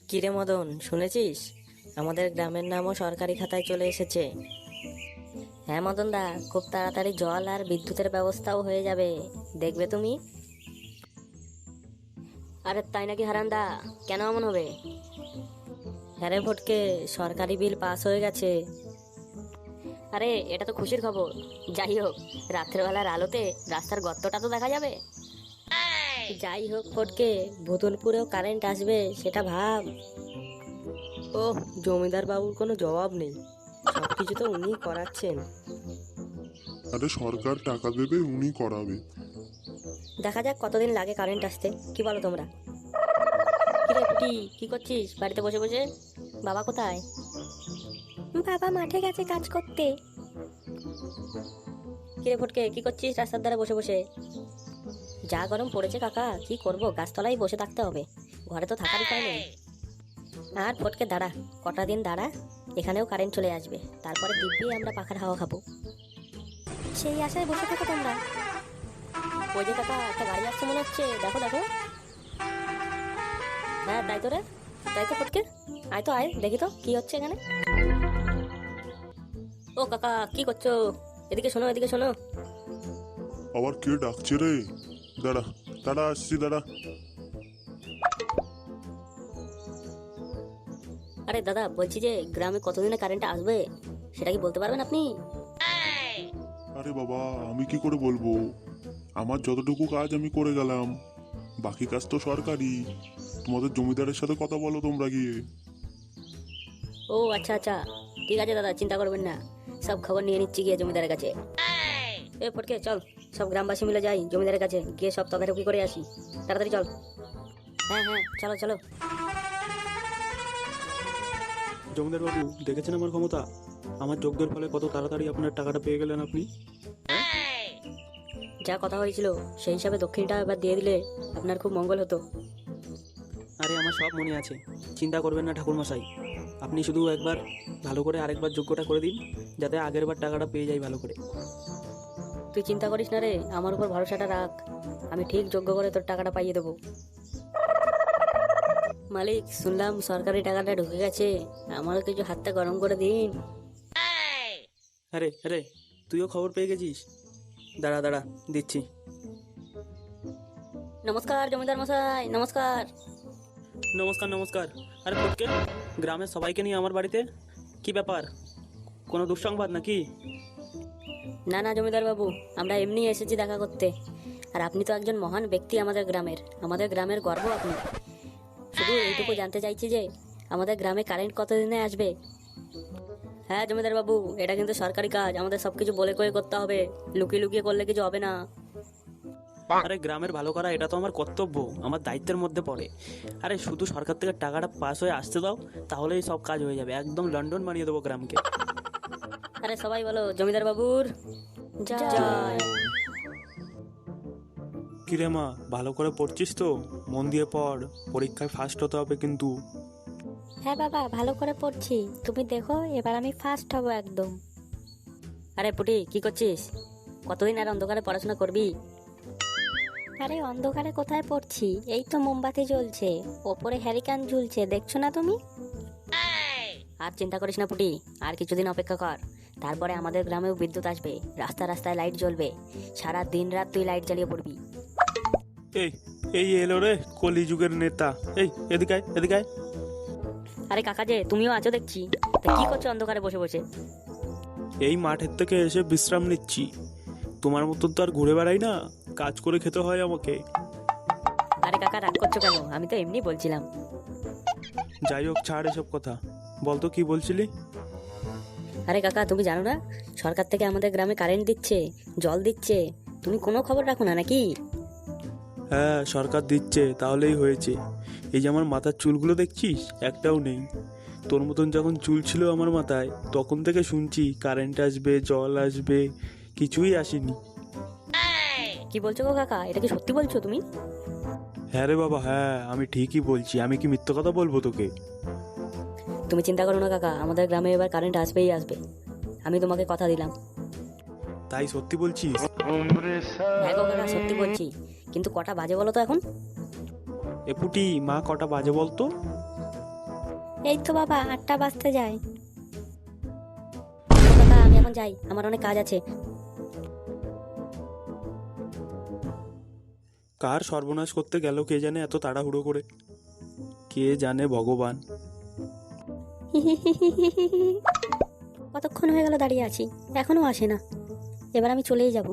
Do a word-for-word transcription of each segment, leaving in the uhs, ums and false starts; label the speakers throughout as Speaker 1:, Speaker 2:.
Speaker 1: কিরে মদন, শুনেছিস আমাদের গ্রামের নামও সরকারি খাতায় চলে এসেছে? হ্যাঁ মদন দা, খুব তাড়াতাড়ি জল আর বিদ্যুতের ব্যবস্থাও হয়ে যাবে, দেখবে তুমি। আরে তাই নাকি হারান দা? কেন এমন হবে? হ্যাঁ রে ভটকে, সরকারি বিল পাস হয়ে গেছে। আরে এটা তো খুশির খবর। যাই হোক, রাত্রেবেলার আলোতে রাস্তার গর্তটা তো দেখা যাবে। যাই হোক ফটকে, ভুতুলপুরেও কারেন্ট আসবে সেটা ভাব। ও, জমিদার বাবুর কোনো জবাব নেই, সবকিছু তো উনি করাচ্ছেন।
Speaker 2: আরে সরকার টাকা দেবে, উনি করাবে।
Speaker 1: দেখা যাক কতদিন লাগে কারেন্ট আসতে, কি বলো তোমরা? কিরে পুটি, কি করছিস বাড়িতে বসে বসে? বাবা কোথায়? বাবা মাঠে গেছে কাজ করতে। কিরে ফটকে, কি করছিস রাস্তার ধারে বসে বসে? যা গরম পড়েছে কাকা, কি করব, গাছতলায় বসে থাকতে হবে, ঘরে তো থাকার উপায় নেই। আর ফটকে দাঁড়া, কটা দিন দাঁড়া, এখানেও কারেন্ট চলে আসবে, তারপরে দিব্যি আমরা পাখার হাওয়া খাবো। সেই আশায় বসে থাকো তোমরা। ওই যে কাকা, একটা গাড়ি আসছে মনে হচ্ছে, দেখো দেখো। হ্যাঁ তাই তো রে, তাই তো ফটকে, আয় তো আয়, দেখি তো কি হচ্ছে এখানে। ও কাকা, কি করছো? এদিকে শোনো, এদিকে শোনো।
Speaker 2: আবার কে ডাকছে রে? দাঁড়া দাঁড়া, আসছি দাঁড়া।
Speaker 1: আরে দাদা, বলছি যে গ্রামে কতদিনে কারেন্ট আসবে সেটা কি বলতে পারবেন আপনি?
Speaker 2: আরে বাবা, আমি কি করে বলবো? আমার যতটুকু কাজ আমি করে গেলাম, বাকি কাজ তো সরকারি। তোমাদের জমিদারের সাথে কথা বলো তোমরা গিয়ে।
Speaker 1: ও আচ্ছা আচ্ছা, ঠিক আছে দাদা, চিন্তা করবেন না, সব খবর নিয়ে নিচ্ছি গিয়ে জমিদারের কাছে। এ ফটকে চল, সব গ্রামবাসী মিলে যাই জমিদারের কাছে, গিয়ে সব তদারকি করে আসি, তাড়াতাড়ি চল। হ্যাঁ হ্যাঁ, চলো চলো।
Speaker 3: জমিদার বাবু, দেখেছেন আমার ক্ষমতা? আমার যোগ্যের ফলে কত তাড়াতাড়ি আপনার টাকাটা পেয়ে গেলেন আপনি।
Speaker 1: যা কথা হয়েছিল সেই হিসাবে দক্ষিণটা এবার দিয়ে দিলে আপনার খুব মঙ্গল হতো।
Speaker 3: আরে আমার সব মনে আছে, চিন্তা করবেন না ঠাকুরমশাই। আপনি শুধু একবার ভালো করে আরেকবার যোগ্যটা করে দিন, যাতে আগের বার টাকাটা পেয়ে যাই ভালো করে।
Speaker 1: তুই চিন্তা করিস না রে, আমার উপর ভরসাটা রাখ, আমি ঠিক যোগ্য করে তোর টাকাটা পাইয়ে দেবো। মালিক, শুনলাম সরকারি টাকাটা ঢুকে গেছে, আমারও কিছু হাতটা গরম করে দিন।
Speaker 3: আরে আরে, তুইও খবর পেয়ে গেছিস? দাঁড়া দাঁড়া, দিচ্ছি।
Speaker 1: নমস্কার জমিদার মশাই, নমস্কার।
Speaker 3: নমস্কার নমস্কার। আরে ফটকে, গ্রামের সবাইকে নিয়ে আমার বাড়িতে, কি ব্যাপার? কোনো দুঃসংবাদ নাকি?
Speaker 1: না না জমিদার বাবু, আমরা এমনি এসেছি দেখা করতে, আর আপনি তো একজন মহান ব্যক্তি আমাদের গ্রামের, আমাদের গ্রামের গর্ব আপনি। শুধু এইটুকু জানতে চাইছি যে আমাদের গ্রামে কারেন্ট কতদিনে আসবে। হ্যাঁ জমিদার বাবু, এটা কিন্তু সরকারি কাজ, আমাদের সবকিছু বলে কয়ে করতে হবে, লুকিয়ে লুকিয়ে করলে কিছু হবে না।
Speaker 3: আরে গ্রামের ভালো করা এটা তো আমার কর্তব্য, আমার দায়িত্বের মধ্যে পড়ে। আরে শুধু সরকার থেকে টাকাটা পাস হয়ে আসতে দাও, তাহলেই সব কাজ হয়ে যাবে, একদম লন্ডন বানিয়ে দেবো গ্রামকে।
Speaker 1: আরে সবাই বলো জমিদার বাবুর জয়।
Speaker 3: কিরে মা, ভালো করে পড়ছিস তো? মন দিয়ে পড়, পরীক্ষায় ফার্স্ট হতে হবে কিন্তু।
Speaker 4: হ্যাঁ বাবা, ভালো করে পড়ছি, তুমি দেখো এবার আমি ফার্স্ট হব একদম।
Speaker 1: আরে পুটি, কি করছিস? কতদিন আর অন্ধকারে পড়াশোনা করবি?
Speaker 4: আরে অন্ধকারে কোথায় পড়ছি, এই তো মোমবাতি জ্বলছে, ওপরে হ্যারিকান ঝুলছে, দেখছো না তুমি?
Speaker 1: আর চিন্তা করিস না পুটি, আর কিছুদিন অপেক্ষা কর, তারপরে আমাদের গ্রামেও বিদ্যুৎ আসবে, রাস্তা রাস্তায় লাইট জ্বলবে, সারা দিন রাত তুই লাইট জ্বালিয়ে পড়বি।
Speaker 3: এই এই এলো রে কলিযুগের নেতা, এই এদিকে আয়, এদিকে আয়।
Speaker 1: আরে কাকা যে, তুমিও আছো দেখছি, তা কি করছো অন্ধকারে বসে বসে?
Speaker 3: এই মাঠের থেকে এসে বিশ্রাম নিচ্ছি। তোমার মতন তো আর ঘুরে বেড়াই না, কাজ করে খেতে হয় আমাকে।
Speaker 1: আরে কাকা রাগ করছো কেন, আমি তো এমনি বলছিলাম।
Speaker 3: যাই হোক, ছাড় এসব কথা, বলতো কি বলছিলি?
Speaker 1: আরে কাকা, তুমি জানো না সরকার থেকে আমাদের গ্রামে কারেন্ট দিচ্ছে, জল দিচ্ছে, তুমি কোনো খবর রাখো না নাকি?
Speaker 3: হ্যাঁ, সরকার দিচ্ছে, তাহলেই হয়েছে। এই যে আমার মাথার চুলগুলো দেখছিস, একটাও নেই। তোর মতন যখন চুল ছিল আমার মাথায়, তখন থেকে শুনছি কারেন্ট আসবে, জল আসবে, কিছুই আসেনি।
Speaker 1: কি বলছো গো কাকা, এটা কি সত্যি বলছো তুমি?
Speaker 3: হ্যাঁ রে বাবা, হ্যাঁ আমি ঠিকই বলছি, আমি কি মিথ্যে কথা বলবো তোকে?
Speaker 1: তুমি চিন্তা করো না কাকা, আমাদের গ্রামে এবার কারেন্ট আসবেই আসবে, আমি তোমাকে কথা দিলাম।
Speaker 3: তাই সত্যি বলছিস?
Speaker 1: হ্যাঁ গো কাকা, সত্যি বলছি, কিন্তু কটা বাজে বলো তো এখন?
Speaker 3: এ পুটি, মা কটা বাজে বলতো?
Speaker 4: এই তো বাবা আটটা বাজতে যায়।
Speaker 1: ও কাকা আমি এখন যাই, আমার অনেক কাজ আছে।
Speaker 3: কার সর্বনাশ করতে গেল কে জানে এত তাড়াহুড়ো করে, কে জানে ভগবান।
Speaker 4: কতক্ষণ হয়ে গেল দাঁড়িয়ে আছি, এখনো আসে না। এবার আমি চলেই যাব।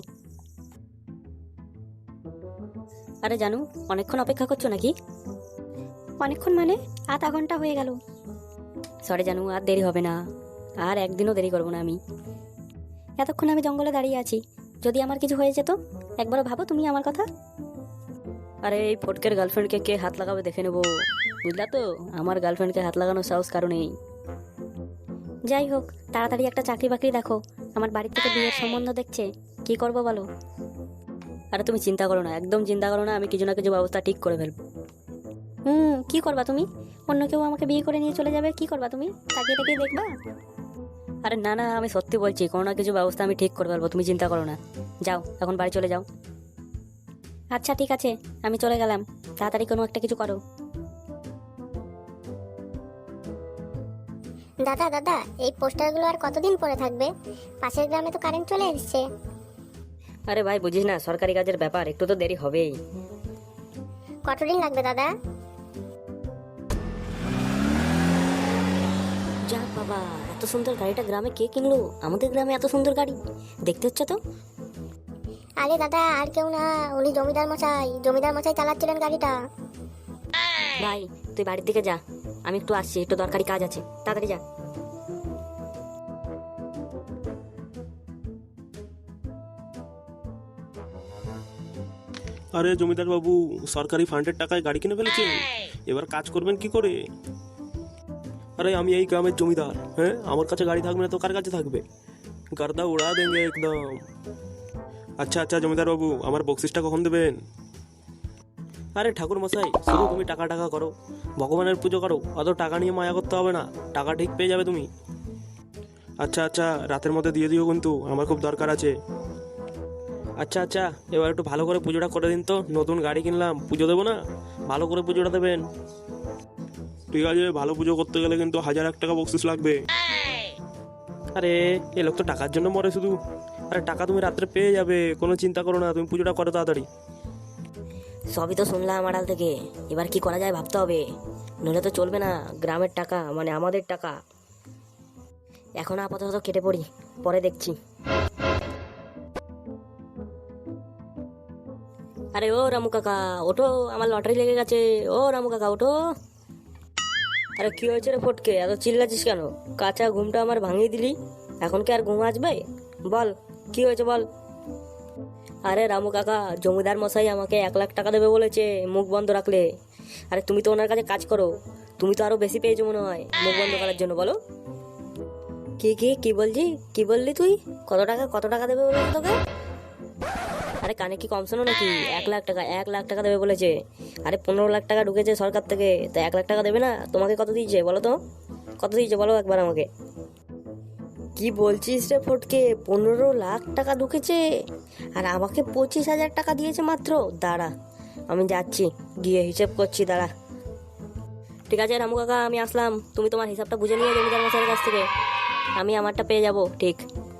Speaker 1: আরে জানু, অনেকক্ষণ অপেক্ষা করছো নাকি?
Speaker 4: অনেকক্ষণ মানে আধা ঘন্টা হয়ে গেল।
Speaker 1: সরি জানু, আর দেরি হবে না, আর একদিনও দেরি করবো না আমি।
Speaker 4: এতক্ষণ আমি জঙ্গলে দাঁড়িয়ে আছি, যদি আমার কিছু হয়ে যেত, একবারও ভাবো তুমি আমার কথা।
Speaker 1: আরে এই ফটকের গার্লফ্রেন্ডকে কে হাত লাগাবে দেখে নেবো, বুঝলা তো? আমার গার্লফ্রেন্ডকে হাত লাগানোর সাহস কারো নেই।
Speaker 4: যাই হোক, তাড়াতাড়ি একটা চাকরি বাকরি দেখো। আমার বাড়ি থেকে বিয়ের সম্বন্ধ দেখছে, কি করবো বলো?
Speaker 1: আরে তুমি চিন্তা করো না, একদম চিন্তা করো না, আমি কিছু না কিছু ব্যবস্থা ঠিক করে ফেলবো।
Speaker 4: হুম, কি করবা তুমি? অন্য কেউ আমাকে বিয়ে করে নিয়ে চলে যাবে, কি করবা তুমি? তাকিয়ে তাকিয়ে দেখবা?
Speaker 1: আরে না না, আমি সত্যি বলছি, কোনো না কিছু ব্যবস্থা আমি ঠিক করে ফেলবো, তুমি চিন্তা করো না। যাও এখন বাড়ি চলে যাও।
Speaker 4: আচ্ছা ঠিক আছে, আমি চলে গেলাম, তাড়াতাড়ি কোনো একটা কিছু করো।
Speaker 5: দাদা দাদা, এই পোস্টারগুলো আর কতদিন পরে থাকবে? পাশের গ্রামে তো কারেন্ট চলে এসেছে।
Speaker 1: আরে ভাই বুঝিস না, সরকারি কাজের ব্যাপার, একটু তো দেরি হবেই।
Speaker 5: কতদিন লাগবে দাদা?
Speaker 1: যা বাবা, এত সুন্দর গাড়িটা গ্রামে কে কিনলো? আমাদের গ্রামে এত সুন্দর গাড়ি দেখতে হচ্ছে তো।
Speaker 5: আরে দাদা, আর কেউ না, উনি জমিদার মশাই। জমিদার মশাই চালাচ্ছিলেন গাড়িটা।
Speaker 1: ভাই তুই বাড়ির দিকে যা, আমি একটু আসছি, একটু দরকারি কাজ আছে, তাড়াতাড়ি যা।
Speaker 3: আরে জমিদার বাবু, সরকারি ফান্ডের টাকায় গাড়ি কিনে ফেলেছেন, এবার কাজ করবেন কি করে? আরে আমি এই গ্রামের জমিদার, হ্যাঁ আমার কাছে গাড়ি থাকবে না তো কার কাছে থাকবে? গার্দা উড়া দেঙ্গে একদম। আচ্ছা আচ্ছা জমিদার বাবু, আমার বকশিসটা কখন দেবেন? আরে ঠাকুর মশাই, শুধু তুমি টাকা টাকা করো, ভগবানের পুজো করো, অত টাকা নিয়ে মায়া করতে হবে না, টাকা ঠিক পেয়ে যাবে তুমি। আচ্ছা আচ্ছা, রাতের মধ্যে দিয়ে দিও কিন্তু, আমার খুব দরকার আছে। আচ্ছা আচ্ছা, এবার একটু ভালো করে পুজোটা করে দিন তো, নতুন গাড়ি কিনলাম, পুজো দেবো না, ভালো করে পুজোটা দেবেন। ঠিক আছে, ভালো পুজো করতে গেলে কিন্তু হাজার এক টাকা বকশিস লাগবে। আরে এ লোক তো টাকার জন্য মরে শুধু। আরে টাকা তুমি রাত্রে পেয়ে যাবে, কোনো চিন্তা করো না, তুমি পুজোটা করো তাড়াতাড়ি।
Speaker 1: সবই তো শুনলাম আড়াল থেকে, এবার কি করা যায় ভাবতে হবে, নইলে তো চলবে না। গ্রামের টাকা মানে আমাদের টাকা, এখন আপাতত কেটে পড়ি, পরে দেখছি। আরে ও রামু কাকা ওঠো, আমার লটারি লেগে গেছে। ও রামু কাকা ওঠো। আরে কি হয়েছে রে ফটকে, এত চিল্লাছিস কেন? কাঁচা ঘুমটা আমার ভাঙিয়ে দিলি, এখন কি আর ঘুম আসবে? বল কি হয়েছে বল। আরে রামু কাকা, জমিদার মশাই আমাকে এক লাখ টাকা দেবে বলেছে মুখ বন্ধ রাখলে। আরে তুমি তো ওনার কাছে কাজ করো, তুমি তো আরো বেশি পেয়েছো মনে হয় মুখ বন্ধ করার জন্য। বলো কি কি কি বলছি, কি বললি তুই? কত টাকা কত টাকা দেবে বলেছে তোকে? আরে কানে কি কম শোনো নাকি? এক লাখ টাকা এক লাখ টাকা দেবে বলেছে। আরে পনেরো লাখ টাকা ঢুকেছে সরকার থেকে, তো এক লাখ টাকা দেবে না? তোমাকে কত দিয়েছে বলো তো, কত দিয়েছে বলো একবার আমাকে। কি বলছিস রে ফটকে, পনেরো লাখ টাকা ঢুকেছে আর আমাকে পঁচিশ হাজার টাকা দিয়েছে মাত্র? দাঁড়া আমি যাচ্ছি, গিয়ে হিসেব করছি, দাঁড়া। ঠিক আছে রামু কাকা, আমি আসলাম, তুমি তোমার হিসাবটা বুঝে নিয়ে জমিদার মশাইয়ের কাছ থেকে, আমি আমারটা পেয়ে যাব ঠিক।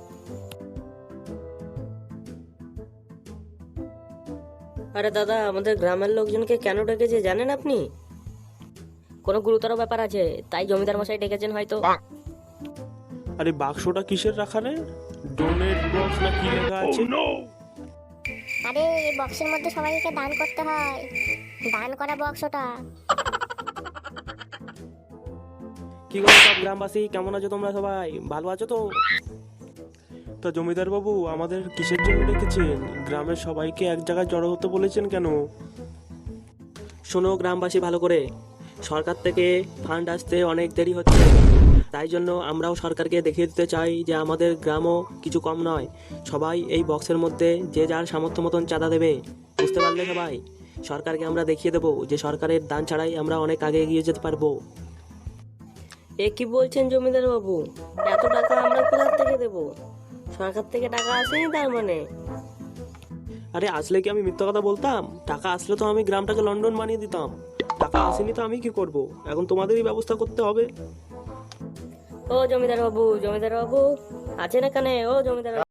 Speaker 1: আরে দাদা, আমাদের গ্রামের লোকজনকে কেন ডেকেছে জানেন আপনি? কোনো গুরুতর ব্যাপার আছে, তাই জমিদার মশাই ডেকেছেন হয়তো।
Speaker 3: আরে বাক্সটা কিসের রাখা রে? ডোনেট বক্স না কি লেখা আছে?
Speaker 5: আরে এই বক্সের মধ্যে সবাইকে দান করতে হয়, দান করা বক্স ওটা।
Speaker 3: কি করে সব গ্রামবাসী, কেমন আছো তোমরা সবাই? ভালো আছো তো? তা জমিদার বাবু, আমাদের কিসের জন্য ডেকেছেন? গ্রামের সবাইকে এক জায়গায় জড়ো হতে বলেছেন কেন?
Speaker 6: শোনো গ্রামবাসী ভালো করে, সরকার থেকে ফান্ড আসতে অনেক দেরি হচ্ছে, তাই জন্য আমরাও সরকারকে দেখিয়ে দিতে চাই যে আমাদের গ্রামও কিছু কম নয়। সবাই এই বক্সের মধ্যে যে যার সামর্থ্য মতন চাঁদা দেবে, বুঝতে পারলে সবাই? সরকারকে আমরা দেখিয়ে দেবো যে সরকারের দান ছাড়াই আমরা অনেক আগে এগিয়ে যেতে পারবো।
Speaker 1: এ কি বলছেন জমিদার বাবু, এত টাকা আমরা কোথা থেকে দেবো? সরকার থেকে টাকা আসেনি তার মানে?
Speaker 3: আরে আসলে কি আমি মিথ্যা কথা বলতাম? টাকা আসলে তো আমি গ্রামটাকে লন্ডন বানিয়ে দিতাম।
Speaker 6: টাকা আসেনি তো আমি কি করব? এখন তোমাদেরই ব্যবস্থা করতে হবে।
Speaker 1: ও জমিদার বাবু, জমিদার বাবু আছেন এখানে? ও জমিদার বাবু।